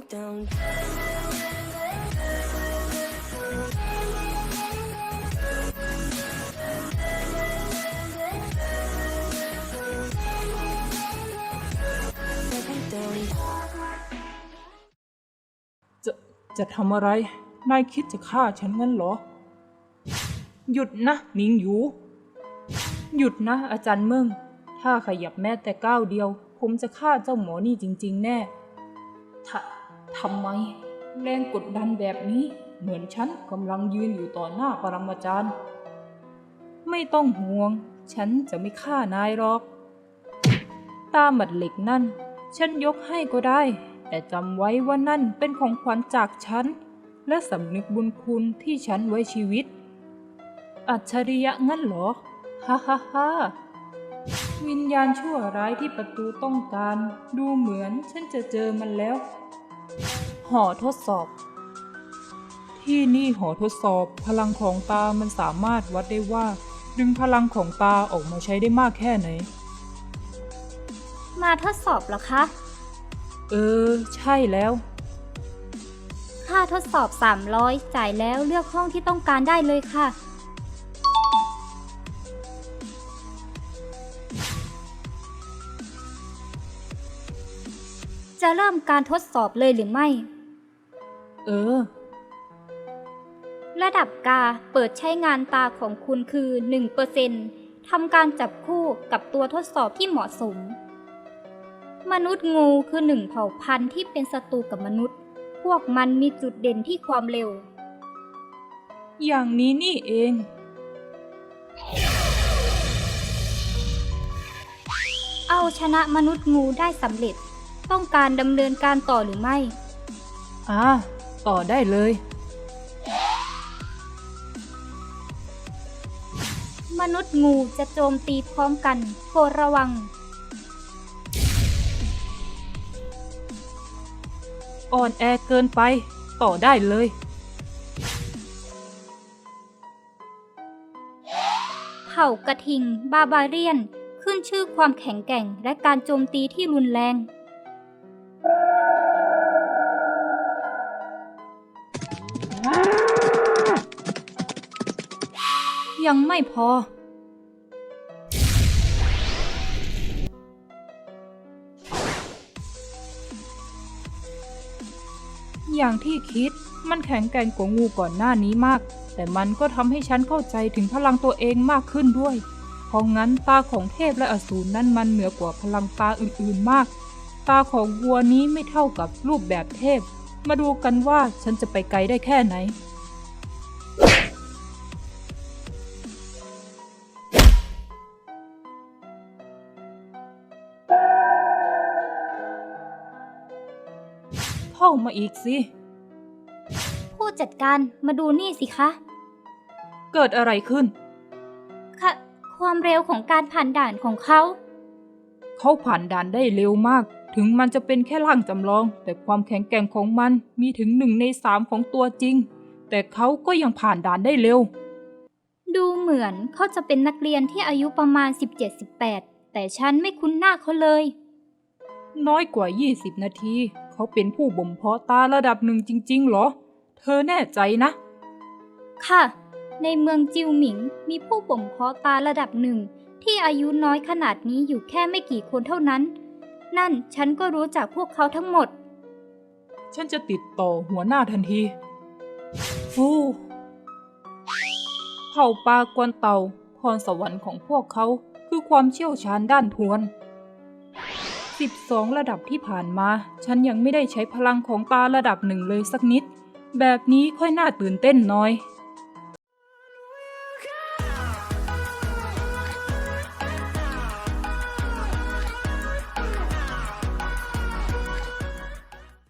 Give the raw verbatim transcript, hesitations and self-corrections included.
down. จะจะทำอะไรนายคิดจะฆ่าฉันงั้นเหรอหยุดนะหนิงหยูหยุดนะอาจารย์เมิงถ้าขยับแม้แต่ก้าวเดียวผมจะฆ่าเจ้าหมอนี่จริงๆแน่ทะทำไมแรงกดดันแบบนี้เหมือนฉันกำลังยืนอยู่ต่อหน้าปรมาจารย์ไม่ต้องห่วงฉันจะไม่ฆ่านายหรอกตาหมัดเหล็กนั่นฉันยกให้ก็ได้แต่จำไว้ว่านั่นเป็นของขวัญจากฉันและสำนึกบุญคุณที่ฉันไว้ชีวิตอัจฉริยะงั้นเหรอฮ่าฮ่าฮ่าวิญญาณชั่วร้ายที่ประตูต้องการดูเหมือนฉันจะเจอมันแล้วหอทดสอบที่นี่หอทดสอบพลังของตามันสามารถวัดได้ว่าดึงพลังของตาออกมาใช้ได้มากแค่ไหนมาทดสอบเหรอคะเออใช่แล้วค่าทดสอบสามร้อยจ่ายแล้วเลือกห้องที่ต้องการได้เลยค่ะจะเริ่มการทดสอบเลยหรือไม่เออระดับกาเปิดใช้งานตาของคุณคือ หนึ่งเปอร์เซ็นต์ ทำการจับคู่กับตัวทดสอบที่เหมาะสมมนุษย์งูคือหนึ่งเผ่าพันธุ์ที่เป็นศัตรูกับมนุษย์พวกมันมีจุดเด่นที่ความเร็วอย่างนี้นี่เองเอาชนะมนุษย์งูได้สำเร็จต้องการดำเนินการต่อหรือไม่อ่าต่อได้เลยมนุษย์งูจะโจมตีพร้อมกันโปรดระวังอ่อนแอเกินไปต่อได้เลยเผ่ากระทิงบาบาเรียนขึ้นชื่อความแข็งแกร่งและการโจมตีที่รุนแรงยังไม่พออย่างที่คิดมันแข็งแกร่งกว่างูก่อนหน้านี้มากแต่มันก็ทำให้ฉันเข้าใจถึงพลังตัวเองมากขึ้นด้วยเพราะงั้นตาของเทพและอสูรนั้นมันเหนือกว่าพลังตาอื่นๆมากตาของวัวนี้ไม่เท่ากับรูปแบบเทพมาดูกันว่าฉันจะไปไกลได้แค่ไหนเข้ามาอีกสิผู้จัดการมาดูนี่สิคะเกิดอะไรขึ้นค่ะความเร็วของการผ่านด่านของเขาเขาผ่านด่านได้เร็วมากถึงมันจะเป็นแค่ร่างจำลองแต่ความแข็งแกร่งของมันมีถึงหนึ่งในสามของตัวจริงแต่เขาก็ยังผ่านด่านได้เร็วดูเหมือนเขาจะเป็นนักเรียนที่อายุประมาณ สิบเจ็ด สิบแปด แต่ฉันไม่คุ้นหน้าเขาเลยน้อยกว่ายี่สิบนาทีเขาเป็นผู้บ่มเพาะตาระดับหนึ่งจริงๆเหรอเธอแน่ใจนะค่ะในเมืองจิวหมิงมีผู้บ่มเพาะตาระดับหนึ่งที่อายุน้อยขนาดนี้อยู่แค่ไม่กี่คนเท่านั้นนั่นฉันก็รู้จักพวกเขาทั้งหมดฉันจะติดต่อหัวหน้าทันทีฟูเผ่าปลากวนเต่าพรสวรรค์ของพวกเขาคือความเชี่ยวชาญด้านทวนสิบสองระดับที่ผ่านมาฉันยังไม่ได้ใช้พลังของตาระดับหนึ่งเลยสักนิดแบบนี้ค่อยน่าตื่นเต้นหน่อย